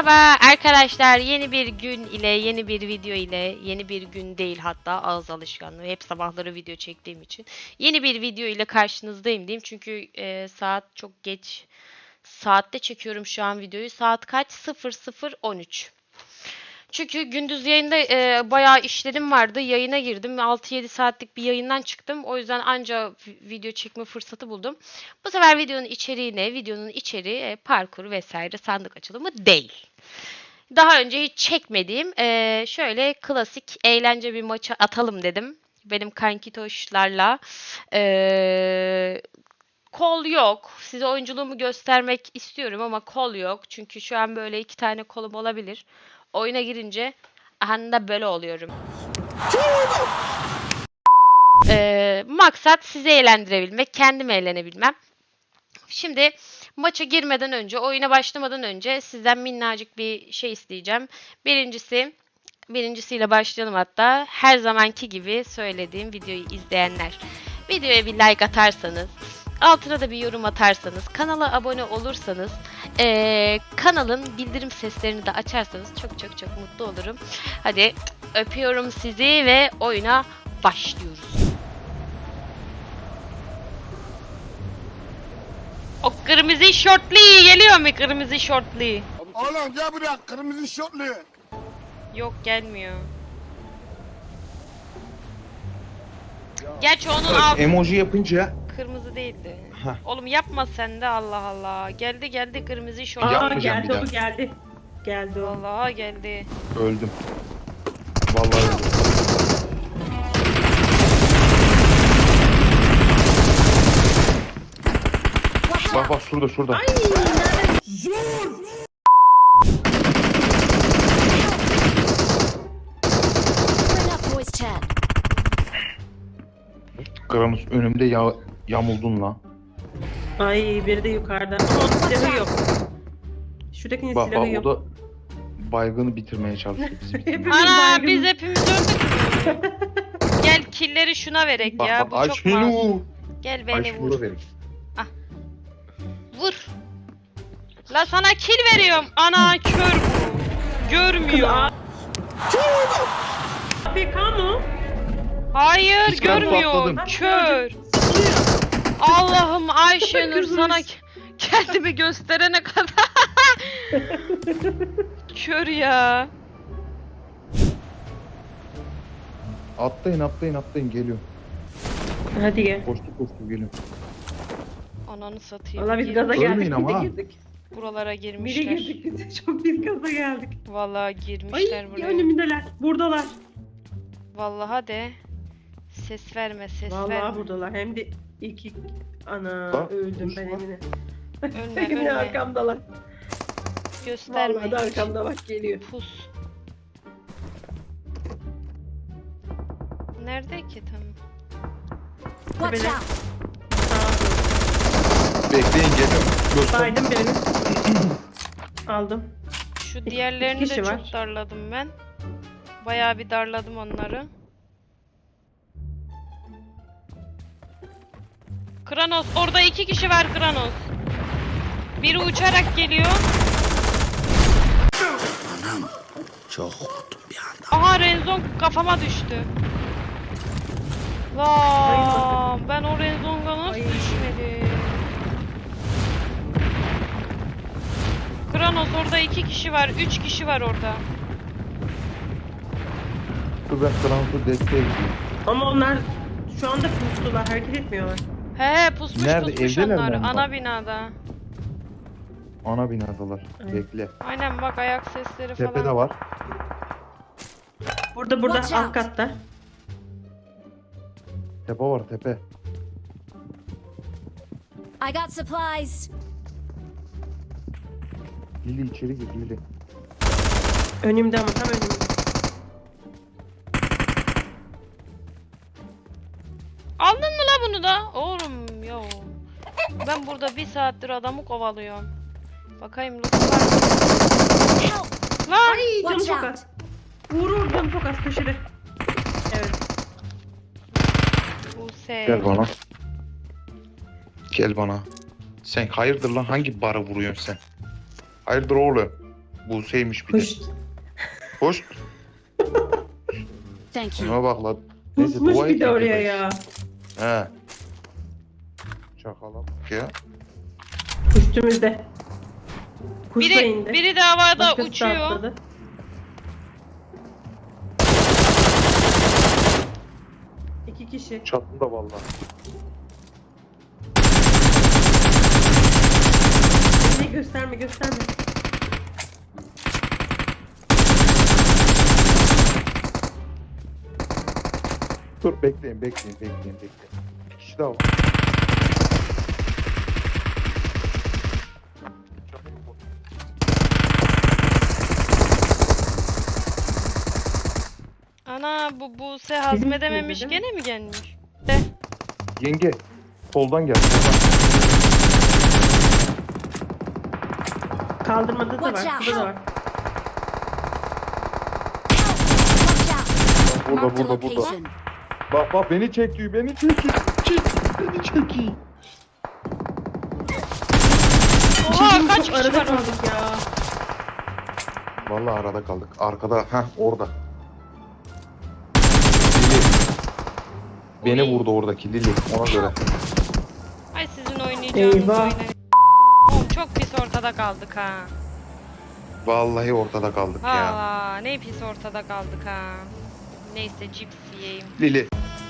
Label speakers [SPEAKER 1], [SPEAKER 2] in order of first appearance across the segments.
[SPEAKER 1] Merhaba arkadaşlar, yeni bir gün ile, yeni bir video ile, yeni bir gün değil hatta ağız alışkanlığı, hep sabahları video çektiğim için yeni bir video ile karşınızdayım diyeyim. Çünkü saat çok geç saatte çekiyorum şu an videoyu. Saat kaç? 00:13. Çünkü gündüz yayında bayağı işlerim vardı. Yayına girdim. 6-7 saatlik bir yayından çıktım. O yüzden anca video çekme fırsatı buldum. Bu sefer videonun içeriği ne? Videonun içeriği parkur vesaire sandık açılımı değil. Daha önce hiç çekmediğim şöyle klasik eğlence bir maçı atalım dedim. Benim kankitoşlarla. Kol yok. Size oyunculuğumu göstermek istiyorum ama kol yok. Çünkü şu an böyle 2 tane kolum olabilir. Oyuna girince anda böyle oluyorum. Maksat sizi eğlendirebilmek, kendim eğlenebilmem. Şimdi maça girmeden önce, oyuna başlamadan önce sizden minnacık bir şey isteyeceğim. Birincisiyle başlayalım hatta. Her zamanki gibi söylediğim videoyu izleyenler. Videoya bir like atarsanız, altına da bir yorum atarsanız, kanala abone olursanız, kanalın bildirim seslerini de açarsanız çok çok çok mutlu olurum. Hadi öpüyorum sizi ve oyuna başlıyoruz. O kırmızı şortlu geliyor mu, kırmızı şortlu?
[SPEAKER 2] Oğlum gel buraya kırmızı şortlu.
[SPEAKER 1] Yok, gelmiyor. Gerçi onun altı
[SPEAKER 3] Emoji yapınca
[SPEAKER 1] kırmızı değildi.
[SPEAKER 3] Heh.
[SPEAKER 1] Oğlum yapma sen de, Allah Allah. Geldi kırmızı şort.
[SPEAKER 3] Aa, yapmayacağım
[SPEAKER 4] geldi
[SPEAKER 3] bir
[SPEAKER 4] o
[SPEAKER 3] daha.
[SPEAKER 4] geldi o.
[SPEAKER 1] Vallahi geldi.
[SPEAKER 3] öldüm. Vallahi öldüm. Bak bak şurada.
[SPEAKER 4] Ay nerede?
[SPEAKER 5] Bring up voice chat.
[SPEAKER 3] Kranos önümde yamuldun lan.
[SPEAKER 4] Ay biri de yukarıda. Ama onun silahı yok. Şuradakinin
[SPEAKER 3] Bak
[SPEAKER 4] silahı
[SPEAKER 3] bak o
[SPEAKER 4] yok.
[SPEAKER 3] da baygını bitirmeye çalışıyor bizi.
[SPEAKER 4] Hepimiz
[SPEAKER 1] Ana
[SPEAKER 4] baygın.
[SPEAKER 1] biz hepimiz öldük. Gel killeri şuna verek
[SPEAKER 3] Bak
[SPEAKER 1] ya.
[SPEAKER 3] bak
[SPEAKER 1] Bu
[SPEAKER 3] ay
[SPEAKER 1] çok masum.
[SPEAKER 3] şunu.
[SPEAKER 1] Gel
[SPEAKER 3] Ay
[SPEAKER 1] beni
[SPEAKER 3] şunu
[SPEAKER 1] vur.
[SPEAKER 3] da verin.
[SPEAKER 1] Vur. La sana kill veriyorum. Ana kör bu. Görmüyor.
[SPEAKER 4] AFK mı?
[SPEAKER 1] Hayır
[SPEAKER 3] Hiç ben
[SPEAKER 1] görmüyor.
[SPEAKER 3] patladım.
[SPEAKER 1] Kör. Allah'ım Ayşenur sana kendimi gösterene kadar. Kör ya.
[SPEAKER 3] Atlayın geliyor.
[SPEAKER 4] Hadi gel.
[SPEAKER 3] Koştu geliyor.
[SPEAKER 1] Ananı satayım.
[SPEAKER 4] Valla biz
[SPEAKER 1] Gir-
[SPEAKER 4] gaza geldik.
[SPEAKER 3] Ölmeyin ama
[SPEAKER 4] Mide
[SPEAKER 3] ha.
[SPEAKER 4] girdik.
[SPEAKER 1] Buralara
[SPEAKER 4] Mide
[SPEAKER 1] girmişler.
[SPEAKER 4] girdik biz. Çok biz gaza geldik.
[SPEAKER 1] Vallahi
[SPEAKER 4] Ay
[SPEAKER 1] girmişler buraya.
[SPEAKER 4] önümdeler. Buradalar.
[SPEAKER 1] Vallahi de. Ses verme, ses
[SPEAKER 4] Vallahi
[SPEAKER 1] verme.
[SPEAKER 4] buradalar. Hem de iki... Ana
[SPEAKER 3] Bak,
[SPEAKER 4] öldüm
[SPEAKER 3] kuş
[SPEAKER 4] ben
[SPEAKER 3] var.
[SPEAKER 4] Emine.
[SPEAKER 1] Ölme,
[SPEAKER 4] Emine
[SPEAKER 1] ölme.
[SPEAKER 4] arkamdalar.
[SPEAKER 1] Gösterme.
[SPEAKER 4] Vallahi de
[SPEAKER 1] hiç.
[SPEAKER 4] arkamda bak geliyor.
[SPEAKER 1] Pus. Nerede ki tam?
[SPEAKER 5] Watch
[SPEAKER 4] Tepede.
[SPEAKER 5] out.
[SPEAKER 3] Bekleyin geliyorum. Göster.
[SPEAKER 4] Saydım birini. Aldım.
[SPEAKER 1] Şu diğerlerini de
[SPEAKER 4] kişi
[SPEAKER 1] çok
[SPEAKER 4] var.
[SPEAKER 1] darladım ben. Bayağı bir darladım onları. Kranos, orada 2 kişi var Kranos. Biri uçarak geliyor.
[SPEAKER 2] Çok korktum bir anda.
[SPEAKER 1] Aha Renzon kafama düştü. Lan ben o Renzonga nasıl
[SPEAKER 4] Ay.
[SPEAKER 1] düşmedim? Kranos orada 2 kişi var, 3 kişi var orada.
[SPEAKER 3] Dur ben Kranos'u desteğe gidiyorum.
[SPEAKER 4] Ama onlar şu anda pustular. Hareket etmiyorlar.
[SPEAKER 1] He pusmuş
[SPEAKER 3] Nerede?
[SPEAKER 1] pusmuş
[SPEAKER 3] Evdeler
[SPEAKER 1] onlar.
[SPEAKER 3] mi onlar?
[SPEAKER 1] Ana binada.
[SPEAKER 3] Ana binadalar.
[SPEAKER 4] Ay.
[SPEAKER 3] Bekle.
[SPEAKER 1] Aynen bak ayak sesleri falan.
[SPEAKER 3] Tepede var.
[SPEAKER 4] Burada
[SPEAKER 5] Watch
[SPEAKER 4] alt
[SPEAKER 5] out.
[SPEAKER 4] katta.
[SPEAKER 3] Tepe var tepe.
[SPEAKER 5] I got supplies.
[SPEAKER 3] Lili içeri gir Lili.
[SPEAKER 4] Önümde ama tam önümde.
[SPEAKER 1] Aldın mı la bunu da? Oğlum yo. Ben burada 1 saattir adamı kovalıyorum. Bakayım loot var mı?
[SPEAKER 5] Help.
[SPEAKER 1] Lan!
[SPEAKER 4] Ay canım
[SPEAKER 5] Watch
[SPEAKER 4] çok
[SPEAKER 5] out.
[SPEAKER 4] az. Vurur canım çok az köşede. Evet.
[SPEAKER 1] Buse.
[SPEAKER 3] Gel bana. Gel bana. Sen hayırdır lan hangi bara vuruyorsun sen? Hayırdır oğlum? Buse'ymiş bir de.
[SPEAKER 4] Hoş.
[SPEAKER 3] Hoş.
[SPEAKER 5] Thank you.
[SPEAKER 3] Şuna bak lan. Neyse
[SPEAKER 4] Pusmuş
[SPEAKER 3] dua
[SPEAKER 4] bir de
[SPEAKER 3] et
[SPEAKER 4] oraya
[SPEAKER 3] ki.
[SPEAKER 4] ya.
[SPEAKER 3] He. Çakala bak ya.
[SPEAKER 4] Üstümüzde. Kuş da indi.
[SPEAKER 1] Biri de havada
[SPEAKER 4] Başkası da
[SPEAKER 1] uçuyor.
[SPEAKER 4] atladı. İki kişi.
[SPEAKER 3] Çatında vallahi.
[SPEAKER 4] Gösterme gösterme.
[SPEAKER 3] Dur bekleyin. Bir kişi daha var.
[SPEAKER 1] Ana bu Buse hazmedememiş
[SPEAKER 4] üstümüzde değil
[SPEAKER 1] gene mi gelmiş?
[SPEAKER 3] Yenge. Soldan gel. Soldan.
[SPEAKER 4] Kaldırmada da
[SPEAKER 5] Watch
[SPEAKER 4] var.
[SPEAKER 5] out.
[SPEAKER 4] Burada da var.
[SPEAKER 5] Watch out.
[SPEAKER 3] Burada
[SPEAKER 5] Marked a
[SPEAKER 3] burada burada.
[SPEAKER 5] location.
[SPEAKER 3] Bak beni çekiyor. Beni çekiyor. Beni çekiyor.
[SPEAKER 1] Oha kaç
[SPEAKER 4] Çok
[SPEAKER 1] kişi
[SPEAKER 4] arada
[SPEAKER 1] var orada?
[SPEAKER 4] kaldık ya.
[SPEAKER 3] Vallahi arada kaldık. Arkada. Orada. Lili. Beni vurdu oradaki Lili. Ona göre.
[SPEAKER 1] Ay sizin oynayacağınız
[SPEAKER 4] Eyvah.
[SPEAKER 1] oynayın. Oğlum çok pis ortada kaldık ha.
[SPEAKER 3] Vallahi ortada kaldık ya.
[SPEAKER 1] Valla ne pis ortada kaldık ha. Neyse cips yiyeyim.
[SPEAKER 3] Lili.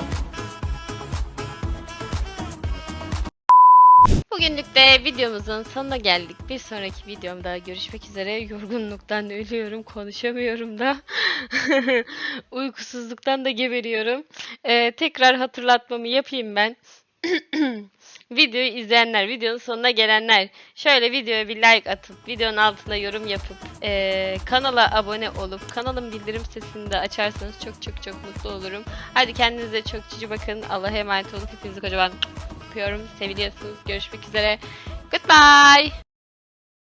[SPEAKER 1] Bugünlük de videomuzun sonuna geldik. Bir sonraki videomda görüşmek üzere. Yorgunluktan ölüyorum, konuşamıyorum da. Uykusuzluktan da geberiyorum. Tekrar hatırlatmamı yapayım ben. Videoyu izleyenler, videonun sonuna gelenler şöyle videoya bir like atıp, videonun altına yorum yapıp, kanala abone olup, kanalın bildirim sesini de açarsanız çok çok çok mutlu olurum. Hadi kendinize çok cici bakın. Allah'a emanet olun. Hepinizi kocaman öpüyorum. Seviliyorsunuz. Görüşmek üzere. Goodbye.